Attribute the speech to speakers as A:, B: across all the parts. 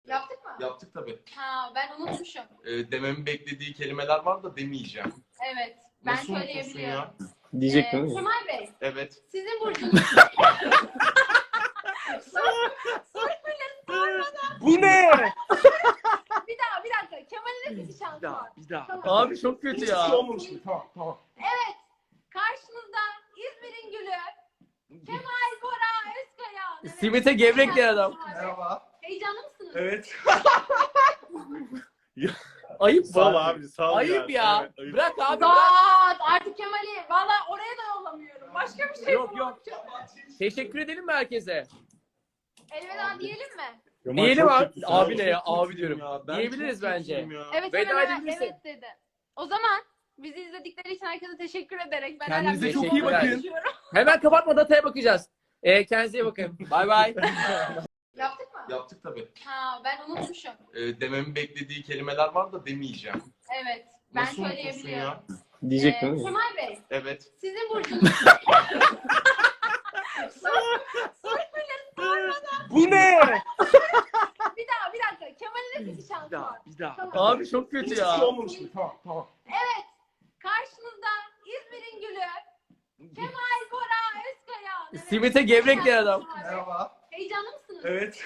A: Yaptık mı?
B: Yaptık tabii.
A: Ha, ben unutmuşum.
B: Dememin beklediği kelimeler var da demeyeceğim.
A: Evet. Ben
B: Nasıl unutursun
A: söyleyebiliyorum.
B: ya?
C: Diyecek değil mi?
A: Kemal Bey,
B: Evet.
A: sizin burcunuz...
B: Bu ne?
A: Bir dakika. Kemal'in de bir şansı var.
B: Bir daha.
A: Tamam.
C: Abi çok kötü
B: Hiçbir
C: ya.
B: şey olmamış gibi. Tamam.
A: Karşınızda İzmir'in gülü Kemal Bora Özkaya. Evet.
C: Simit'e gevrek diyen adam.
B: Merhaba.
A: Heyecanlı mısınız?
B: Evet.
C: Ayıp
D: Sağ ol
C: bu.
D: abi, sağ ol
C: Ayıp
D: ya.
C: ya.
D: Evet, ayıp.
C: Bırak abi bırak.
A: Dağıt artık Kemal'i. Valla oraya da yollamıyorum. Başka bir şey
C: Yok,
A: yapamam.
C: Teşekkür edelim mi herkese?
A: Elveda diyelim mi?
D: Kemal
C: Diyelim
D: çok
C: abi.
D: kötüsün
C: Abi
D: abi.
C: ne ya? Abi diyorum.
B: Ya, ben
C: Diyebiliriz
B: çok
C: bence.
B: kötüyüm ya.
A: Evet
C: Veda
A: evet
C: edebilirsin.
A: evet dedi. O zaman bizi izledikleri için herkese teşekkür ederek ben
B: Kendinize
A: hala
C: çok
A: bir
C: iyi
A: şey
C: bakın.
A: konuşuyorum.
C: Hemen kapatma, dataya bakacağız. Kendinize iyi bakın. Bay bay.
A: Yaptık mı?
B: Yaptık tabii.
A: Ha, ben unutmuşum.
B: Dememin beklediği kelimeler var da demeyeceğim.
A: Evet. Ben
B: Nasıl unutursun
A: söyleyebiliyorum.
B: ya?
C: Diyecek değil mi?
A: Kemal Bey,
B: Evet.
A: sizin burcunuz...
B: Bu ne?
A: Bir dakika. Kemal'in de bir şansı var.
B: Bir daha.
A: Tamam.
C: Abi çok kötü
B: Hiçbir
C: ya.
B: şey olmamış gibi. Tamam.
A: Karşınızda İzmir'in gülü Kemal Bora Özkaya. Evet.
C: Simit'e gevrek diyen adam.
B: Merhaba.
A: Heyecanlı mısınız?
B: Evet.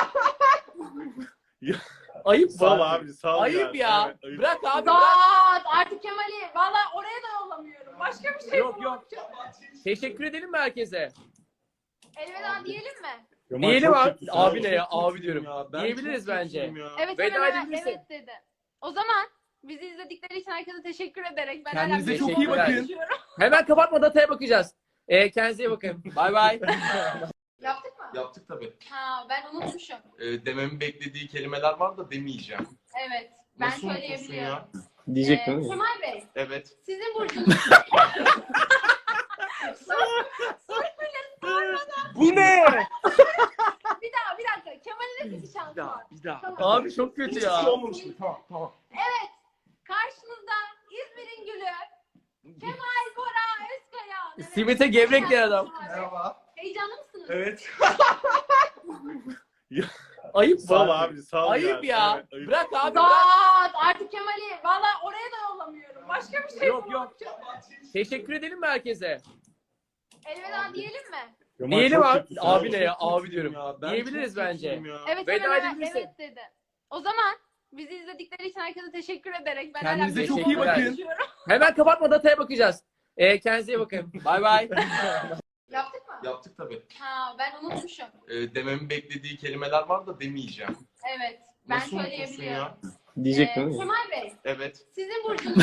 C: Ayıp
D: Sağ ol
C: bu.
D: abi, sağ ol
C: Ayıp ya.
D: Evet, ayıp.
C: Bırak abi bırak.
A: Dağıt artık Kemal'i. Valla oraya da yollamıyorum. Başka bir şey
C: Yok,
A: yapamam.
C: Teşekkür edelim mi herkese?
A: Elveda diyelim mi?
D: Kemal
C: Diyelim
D: çok
C: abi.
D: kötüsün
C: Abi ne ya? Abi
B: Ya,
C: diyorum.
B: ben
C: Diyebiliriz
B: çok
C: bence.
B: kötüyüm ya.
A: Evet
C: Veda
A: evet
C: edebilirsin.
A: evet dedi. O zaman bizi izledikleri için herkese teşekkür ederek ben
B: Kendinize
A: hala bir
C: çok
A: şey
C: iyi bakın.
A: konuşuyorum.
C: Hemen kapatma, dataya bakacağız. Kendinize iyi bakın. Bay bay.
A: Yaptık mı?
B: Yaptık tabii.
A: Ha, ben unutmuşum.
B: Dememin beklediği kelimeler var da demeyeceğim.
A: Evet. Ben
B: Nasıl unutursun
A: söyleyebiliyorum.
B: ya?
C: Diyecek değil mi?
A: Kemal Bey,
B: Evet.
A: sizin burcunuz...
B: Bu ne?
A: Bir dakika. Kemal'in de bir şansı var.
B: Bir daha.
A: Tamam.
C: Abi çok kötü
B: Hiçbir
C: ya.
B: şey olmamış gibi. Tamam.
A: Karşınızda İzmir'in gülü Kemal Bora Özkaya. Evet.
C: Simit'e gevrek diyen adam.
B: Merhaba.
A: Heyecanlı mısınız?
B: Evet.
C: Ayıp
D: Sağ ol
C: bu.
D: abi, sağ ol
C: Ayıp ya.
D: Evet, ayıp.
C: Bırak abi bırak.
A: Dağıt artık Kemal'i. Valla oraya da yollamıyorum. Başka bir şey
C: Yok,
A: yapamam.
C: Teşekkür edelim mi herkese?
A: Elveda diyelim mi?
D: Kemal
C: Diyelim
D: çok
C: abi.
D: kötüsün
C: Abi ne ya?
B: Çok
C: Abi
B: kötüyüm
C: diyorum.
B: ya. Ben
C: Diyebiliriz
B: çok
C: bence.
B: kötüyüm ya.
A: Evet
C: Veda
A: evet
C: edebilirsin.
A: evet dedi. O zaman bizi izledikleri için herkese teşekkür ederek ben
B: Kendinize
A: hala bir
C: çok
A: şey
C: iyi bakın.
A: konuşuyorum.
C: Hemen kapatma, dataya bakacağız. Kendinize iyi bakın. Bay bay.
A: Yaptık mı?
B: Yaptık tabii.
A: Ha, ben unutmuşum.
B: Dememin beklediği kelimeler var da demeyeceğim.
A: Evet. Ben
B: Nasıl unutursun
A: söyleyebiliyorum.
B: ya?
C: Diyecek değil mi?
A: Kemal Bey,
B: Evet.
A: sizin burcunuz...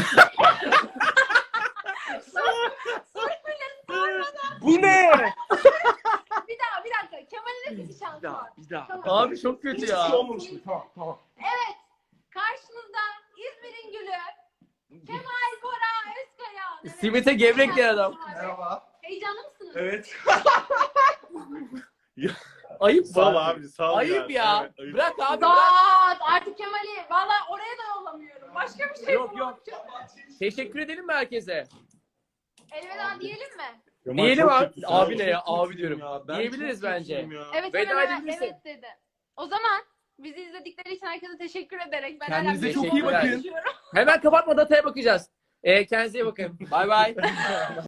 B: Bu ne?
A: Bir dakika. Kemal'in de bir şansı var.
B: Bir daha.
A: Tamam.
C: Abi çok kötü
B: Hiçbir
C: ya.
B: şey olmamış gibi. Tamam.
A: Karşınızda İzmir'in gülü Kemal Bora Özkaya. Evet.
C: Simit'e gevrek diyen adam.
B: Merhaba.
A: Heyecanlı mısınız?
B: Evet.
C: Ayıp bu.
D: Sağ ol abi, sağ ol
C: Ayıp ya.
D: Evet, ayıp.
C: Bırak abi bırak.
A: Dağıt artık Kemal'i. Valla oraya da yollamıyorum. Başka bir şey
C: Yok,
A: yapamam.
C: Teşekkür edelim mi herkese?
A: Elveda diyelim mi?
D: Kemal
C: Diyelim
D: çok
C: abi.
D: kötüsün
C: Abi ne ya? Abi
B: Ya,
C: diyorum.
B: ben
C: Diyebiliriz
B: çok
C: bence.
B: kötüyüm ya.
A: Evet
C: Veda
A: evet
C: edebilirsin.
A: evet dedi. O zaman bizi izledikleri için herkese teşekkür ederek ben
B: Kendinize
A: hala bir
C: çok
A: şey
C: iyi bakın.
A: konuşuyorum.
C: Hemen kapatma, dataya bakacağız. Kendinize iyi bakın. Bay bay.